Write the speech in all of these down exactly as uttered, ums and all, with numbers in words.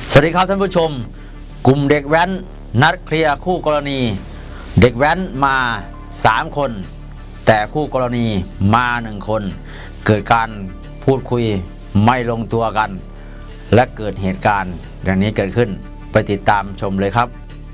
สวัสดีครับท่านผู้ชมกลุ่มเด็กแว้นนัดเคลียร์คู่กรณีเด็กแว้นมาสามคนแต่คู่กรณีมาหนึ่งคนเกิดการพูดคุยไม่ลงตัวกันและเกิดเหตุการณ์อย่างนี้เกิดขึ้นไปติดตามชมเลยครับ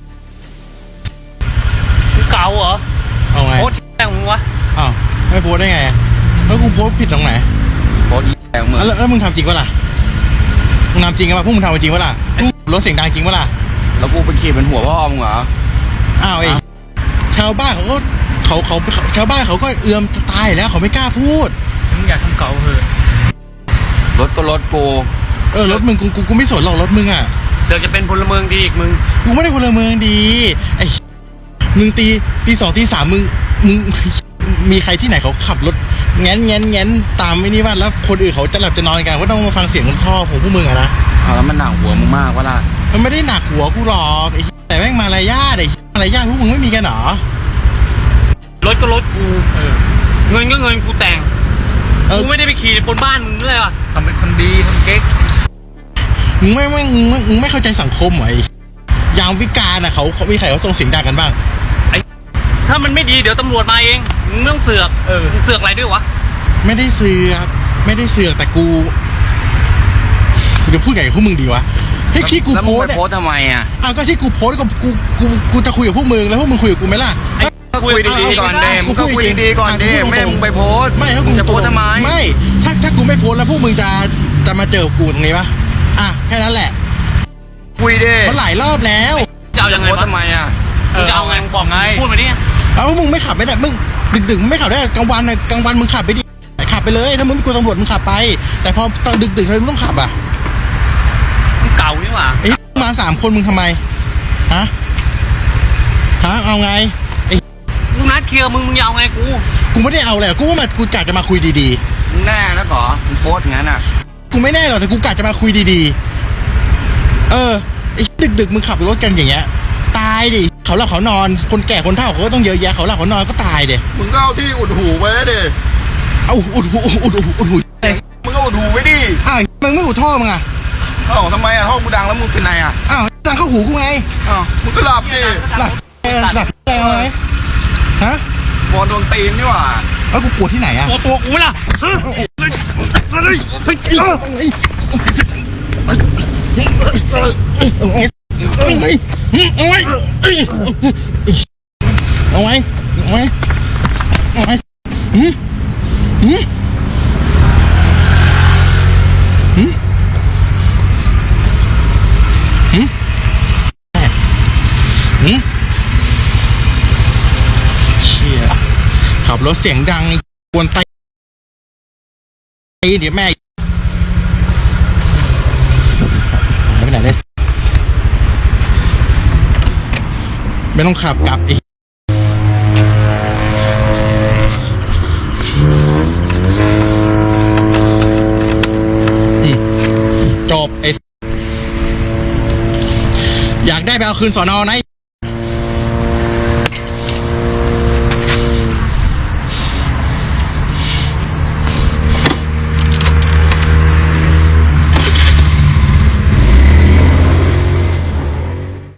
เก่าเหรอเอาไงโพสแม่งมึงวะอ้าวไม่โพสได้ไงแล้วกูโพสผิดตรงไหนโพสแย่งมึงแล้วมึงทำจริงปะล่ะมึงทำจริงปะพวกมึงทำจริงปะล่ะรถเสียงดังจริงปะล่ะแล้วกูไปขี่เป็นหัวพ่อมึงเหรออ้าวไอ้ชาวบ้านเขาก็เขาเขาชาวบ้านเขาก็เอื้อมจะตายแล้วเขาไม่กล้าพูดมึงอยากทำเก่าเหอะรถก็รถกูเออรถมึงกูกูกูไม่สนหรอกรถมึงอ่ะเสือกจะเป็นพลเมืองดีอีกมึงกูไม่ได้พลเมืองดีไอ้มึงตีตีสองตีสามมึงมึงมีใครที่ไหนเขาขับรถแง้นแง้นแง้นตามไม่นี่ว่าแล้วคนอื่นเขาจะหลับจะนอนกันก็ต้องมาฟังเสียงท่อของพวกมึงอะนะเอาแล้วมันหนักหัวมึงมากวะล่ะมันไม่ได้หนักหัวกูหรอกไอ้แต่แม่งมารยาทไอ้มารยาทพวกมึงไม่มีกันหรอรถก็รถกูเงินก็เงินกูแต่งกูไม่ได้ไปขี่บนบ้านมึงเลยวะทำเป็นคนดีทำเก๊กมึงไม่ไม่มึงมึงไม่เข้าใจสังคมเหรอไอ้ยามวิการอะเขาเขามีใครเขาส่งเสียงดังกันบ้างไอ้ถ้ามันไม่ดีเดี๋ยวตำรวจมาเองมึงไม่ต้องเสือกเออมึงเสือกอะไรด้วยวะไม่ได้เสือกไม่ได้เสือกแต่กูกูจะพูดไงกับพวกมึงดีวะให้ที่กูโพสโพสทำไมอ่ะอ้าวก็ที่กูโพสก็กูกูกูจะคุยกับพวกมึงแล้วพวกมึงคุยกับกูไหมล่ะก็คุยดีๆก่อนเดมก็คุยดีๆก่อนเดมไม่มึงไปโพสไม่ถ้ากูจะโพสทำไมไม่ถ้าถ้ากูไม่โพสแล้วพวกมึงจะจะมาเจอกูตรงนี้ปะอ่ะแค่นั้นแหละคุยดิมันหลายรอบแล้วจะเอายังไงทำไมอ่ะมึงจะเอาไงมึงบอกไงพูดมาดิเอามึงไม่ขับไม่ได้มึงดึกๆมึงไม่ขับได้กลางวันกลางวันมึงขับไปดิขับไปเลยถ้ามึงไม่กลัวตำรวจมึงขับไปแต่พอตอนดึกๆเลยมึงต้องขับอ่ะมึงเก่านี่หว่าไอ้มาสามคนมึงทำไมฮะฮะเอาไงไอ้กูนัดเคลียร์มึงมึงเอาไงกูกูไม่ได้เอาเลยกูว่ามากูกะจะมาคุยดีๆมึงแน่แล้วเหรอมึงโพสงั้นอ่ะกูไม่แน่หรอกแต่กูกะจะมาคุยดีๆเออไอ้ดึกๆมึงขับรถกันอย่างเงี้ยตายดิเขาหลับเขานอนคนแก่คนเฒ่าเขาก็ต้องเยอะแยะเขาหลับเขานอนก็ตายดิมึงก็เอาที่อุดหูไว้ดิเอาอุดหูอุดหูอุดหูมึงก็อุดหูไว้ดิอ้าวมึงไม่อุดท่อมึงอ่ะอ้าวทำไมอ่ะท่อกูดังแล้วมึงเป็นไงอ่ะอ้าวดังเข้าหูกูไงอ้าวมึงก็หลับดิหลับเออหลับได้เอาไงฮะบอลโดนตีนนี่หว่าแล้วกูปวดที่ไหนอ่ะตัวตัวกูล่ะเอาไว้เอาไว้เอาไว้เอาไว้เอาไว้หืมหืมหืมหืมหืมเชี่ยขับรถเสียงดังกวนไตเดี๋ยวแม่ไม่เป็นไรได้ไม่ต้องขับกลับอีกจบไอ้อยากได้ไปเอาคืนสอนอไหน